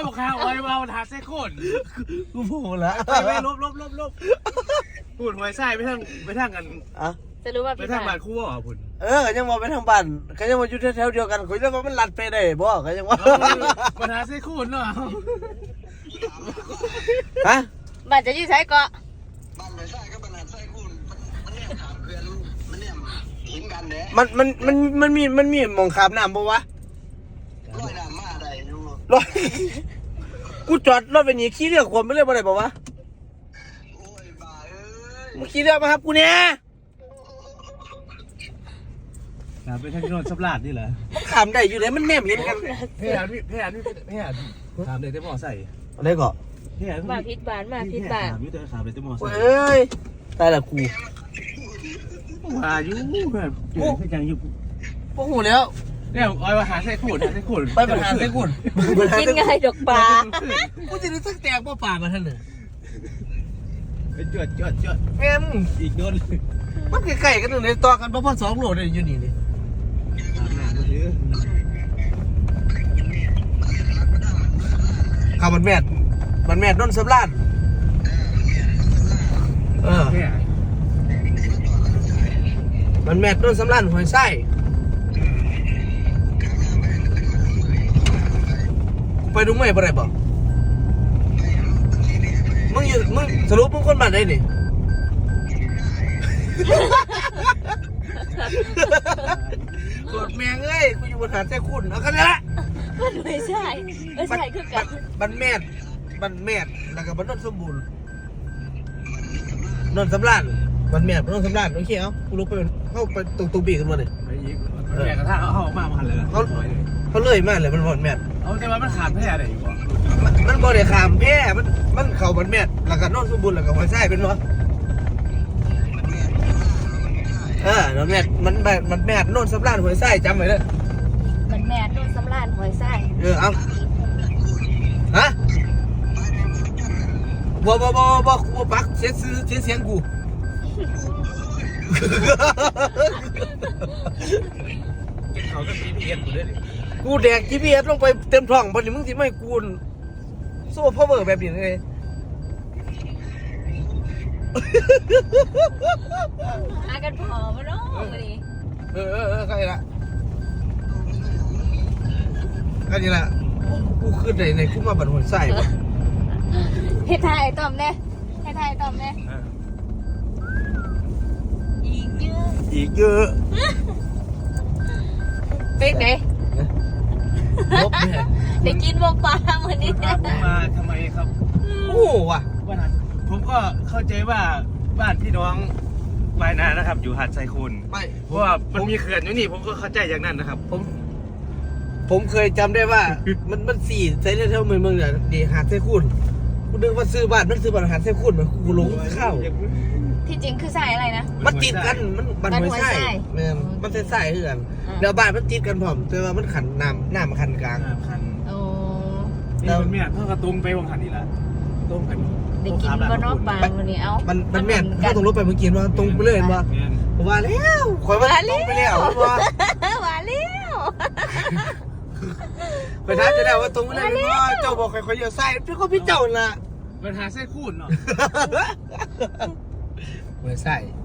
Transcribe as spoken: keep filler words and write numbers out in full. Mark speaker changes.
Speaker 1: บอกข้าวไว้เอาหาเส้นโคน
Speaker 2: กูพูดแล้ว
Speaker 1: ไปไปลบลบลบลบพูดหวยไส้ไปทางไปทางกัน
Speaker 2: อ่ะ
Speaker 3: จะรู้ว่า
Speaker 1: ไป
Speaker 3: พี่
Speaker 1: ทางบ้า
Speaker 3: บ้าน น
Speaker 1: คู่อ่ะพุ่น
Speaker 2: เออยังมาไปทางบ้านก็ยังมาอยู่แถวๆเดียวกันคุยแล้วว่ามันลัดไปได้บ่ก็ยังว่า
Speaker 1: ปัญหาเส้นโคนเนาะ
Speaker 2: ฮะ
Speaker 3: บ้านจะยืดใช้เกาะ
Speaker 4: บ้านไปใส่ก็บ้านใส่คุณมันเนี่ยถามเพื่อนมันเนี่ยหินกันเด้
Speaker 2: มันมันมันมันมีมันมีหมองขามน้ำบ่วะ
Speaker 4: ร้อยน้ำมาได้ดู
Speaker 2: รถกูจอดรถไปนี่ขี่เรือขวมไปเลยบ่ได้บ่วะ
Speaker 4: โอ้ยบ้าเอ้ย
Speaker 2: มึงขี่เรือมาครับกูเนี่ย
Speaker 1: นะไปทางโนนสับลาดนี่เหรอ
Speaker 2: มันขามได้อยู่เลยมันแนมเห็นกัน
Speaker 1: เพี้ยนพี่เพี้ยนพี่เพี้ยนถามเลยแต่หมอใส่
Speaker 2: อะไรก็
Speaker 1: เพี้ยน
Speaker 3: มาพิษบ้านมาพิษบ้าน
Speaker 1: ถามพี่แต่ถามเลยแต่หมอใส่
Speaker 2: เอ้ยตายละกู
Speaker 1: ว่าอยู่เพื่อนเจอที่ยังอยู่
Speaker 2: พวกหูแล้ว
Speaker 1: เนี่ยเอาไปหาเส้นโคนหาเส้นโคน
Speaker 2: ไปปัญหาใส่กุน
Speaker 3: กินง่ายดอกปลา
Speaker 2: กูจะได้สักแตกบ่ป่ามาท่านเลย
Speaker 1: ไปจวดจวดจวด
Speaker 2: แม่ม
Speaker 1: อีกโดน
Speaker 2: มันใกล้ๆกันเลยต่อกันบ่พอสองโลเลยอยู่นี่นี่ข้าวมันแม่ดมันแม่ดนนสำรานเออ
Speaker 1: เนี่ย
Speaker 2: มันแม่ดนนสำรานหอยไส้ไปดูไม่บ่ได้บ่มึงอยู่มึงสรุปมึงคนบ้านไหนนี่ กดแมงเอ้ยกูอยู่บนหาดแท้คุณเอากันละ
Speaker 3: มันไม่ใช่ไม่ใช่คือกัน
Speaker 2: บันแม่ดบันแม่ดแล้วก็บันนนสมบูรณ์นนสำรานบันแม่ดบันนนสำรานโอเคเอากูลุกไปเข้าไปตรงตรงบีกันมาเลย
Speaker 1: ไปอีกแม่กระทะเอาออกมามาหันเลย
Speaker 2: เขาเขาเลื่อยมากเลยมันบันแม่ด
Speaker 1: เอาแต่ว่ามันขาดแพ้อะไรอีกวะ
Speaker 2: มันมันบ่ได้ขามแพ้มันมันเข่าบันแม่ดแล้วก็นนสมบูรณ์แล้วก็หอยไส้เป็นวะเออนนแม่ดมันแบบมันแม่ดนนสำรานหอยไส้จำไว้เลย
Speaker 3: มันแม่โดนสำรานหอยไส้
Speaker 2: เออเอาฮะบ่บ่บ่บ่กูปักเสียซื้อเสียเสียงกู
Speaker 1: เขาก็มีเพียนอยู่ด้วยดิ
Speaker 2: กูแดก จี พี เอส ลงไปเต็มท้องบ่นี่มึงสิไม่กูนโซ่พาวเวอร์แบบนี้เลย
Speaker 3: หากันพอมาเนาะวันนี้
Speaker 2: เออเออเออใครละใครนี่ละกูขึ้นในในกูมาบัดหัวไส้บ่
Speaker 3: เฮ็ดทายไอ้ต้อมแน่เฮ็ดทายไอ้ต้อมแน่อีกเยอะ
Speaker 2: อีกเยอะ
Speaker 3: เป็นไง
Speaker 2: ลบแม่
Speaker 3: ได้กินบ่ปลามื้อนี้
Speaker 1: พาผมมาทำไมครับ
Speaker 2: โอ้ว่ะ
Speaker 1: ว่านั้นผมก็เข้าใจว่าบ้านพี่น้องวายนานะครับ อยู่หาดไซคูน
Speaker 2: ไม่
Speaker 1: เพราะว่ามันมีเขื่อนอยู่นี่ผมก็เข้าใจอย่างนั้นนะครับ
Speaker 2: ผม ผมเคยจำได้ว่า มันมันสี่ใช้เท่าเมืองเมืองเนี่ยดีหาดไส้คุณกูนึกว่าซื้อบ้านมันซื้อบ้านหาดไส้คุณมันกูหลงเข้า
Speaker 3: ที่จริงคือใส่อะไรนะ
Speaker 2: มันติดกัน มันมัน
Speaker 3: มัน
Speaker 2: ไม่
Speaker 3: หัว
Speaker 2: ใช่
Speaker 3: ไส้
Speaker 2: แม่นมันใส่ใส่เหือน
Speaker 3: อ่า
Speaker 2: แล้วบ้านมันติดกันพร้อมแต่ว่ามันขันน้ำน้ำมันขันกลาง
Speaker 1: อ่าคัน
Speaker 3: โอ้
Speaker 1: นี่มันเนี่ยเพิ่งกระตุ้มไปวงขันนี่แหละตุ้มกัน
Speaker 3: ได้กินบ่เนาะปลามื้อนี้เอ้า
Speaker 2: มันมันแม่น
Speaker 3: กั
Speaker 2: เขาต้องรถไปเมื่อกี้ว่าตรงไปเลยเห็นว่า
Speaker 1: แม่น
Speaker 2: ผมว่าแล้วข่อยว่าตรงไปแล้วเห็นว่า
Speaker 3: ว่าแล้ว
Speaker 2: ไปท้าจะได้ว่าตรงไปเลยเห็นว่าเจ้าบอกข่อยข่อยเลี้ยวซ้ายพี่ก็พี่เจ้าน่ะ
Speaker 1: ปัญหาไส้คูนเนาะ
Speaker 2: เหมือนใส่